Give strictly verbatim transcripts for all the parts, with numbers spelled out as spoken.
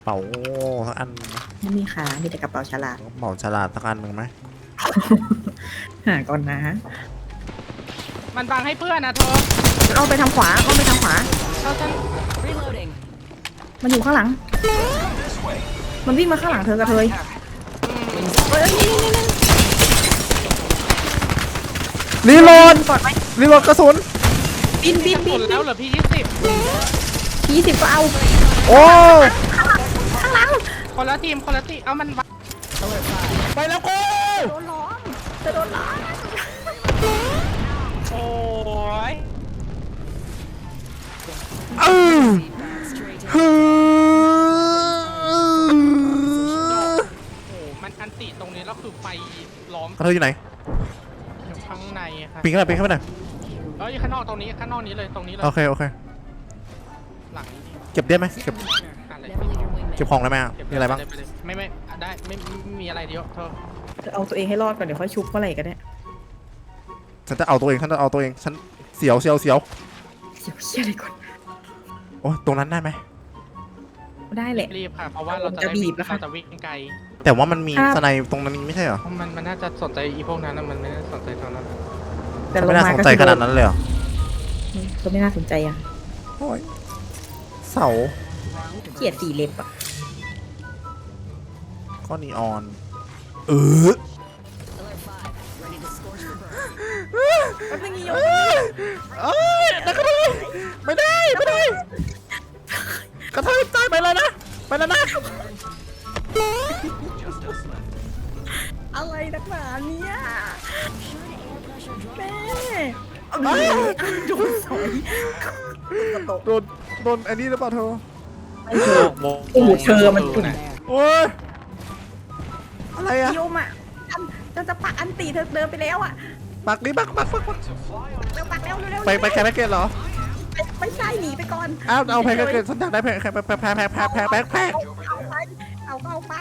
เป๋าสักอันไม่มีค่ะมีแต่กระเป๋าฉลากเป๋าฉลาดสักอันหนึ่งไหมหาก่อนนะมันบังให้เพื่อนนะเธอเอาไปทางขวาเอาไปทางขวาเธอฉัน Reloading. มันอยู่ข้างหลัง มันวิ่งมาข้างหลังเธอกระเทยเฮ้ยนี่นี่นี่รีโหลดกอดไหมรีโหลดกระสุนบินบินหบิมนดแล้วเหรอพี่ยี่สิบทีสิบก็เอาโอ้ข้างหลังคนละทีมคนละทีมเอามันบังไปแล้วกูโดนล้อมจะโดนล้อมโอ้ยเออ Straight ฮึโอ้มันอันติตรงนี้แล้วคือไฟล้อมกระเทยอยู่ไหนอยู่ข้างในค่ะปีนขึ้นไปปีนขึ้นไปหน่อยเอ้ยข้างนอกตรงนี้ข้างนอกนี้เลยตรงนี้เลยโอเคโอเคหลังนี้เก็บได้ไหมเก็บอะไร Never leave your wingman. เก็บของได้ไหมอ่ะมีอะไรบ้างปเลยไม่ไม่ได้ไม่ไม่มีอะไรเดียวเธอจะเอาตัวเองให้รอดก่อนเดี๋ยวค่อยชุบเมื่อไหร่ก็ได้ฉันจะเอาตัวเองฉันจะเอาตัวเองฉันเสียวเสียวเสียวเสียวเชี่ยอะไรก่อนโอ้ยตรงนั้นได้ไหมได้แหละรีบค่ะเพราะว่าเราจะจะได้บีวิ่บงแล้วค่ะเราจะวิ่งไกลแต่ว่ามันมีครับสไนตรงนั้นไม่ใช่เหรอมันมันน่าจะสนใจอีพวกนั้นนะมันไม่ได้สนใจตอนนั้นแต่ลงไม่น่ามาสนก็ใจคือขนาดนั้นเลยเหรอก็ไม่น่าสนใจอ่ะโอ้ยเสาเกลียดสีเล็บอ่ะก็นีออนเออ Alert five. Ready to scorch the bird. แป๊บนึงอีโยเอ้ยเอ้ยนักกระเทยไม่ได้ไม่ได้กระเทยตายไปเลยนะไปแล้วนะอะไรนักหนาเนี่ยแม่โดนสอยโดนโดนอันนี้หรือเปล่าเธอไม่เธอโอ้โหเธอมันอุ่นโอ้ยอะไรอะโยมอ่ะอันจะจะปักอันตีเธอเดินไปแล้วอ่ะปักนี่ปักปักปักปักเร็วปักเร็วเร็วไปไปแคปแพ็กเกจเหรอไม่ใช่หนีไปก่อนอ้าวเอาแพ็กเกจฉันอยากได้แพ็กแพ็กแพ็กแพ็กแพ็กแพ็กแพ็กแพ็กแพ็กเอาไปเอาเอาไป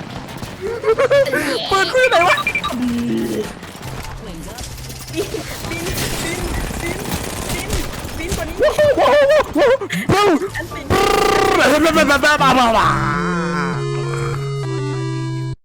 ปืนคือไหนวะ Wings up. บินบินบินบินบินบินกว่านี้ว้าวว้าวว้าวอันตีบ้าบ้าบ้าบ้าบ้า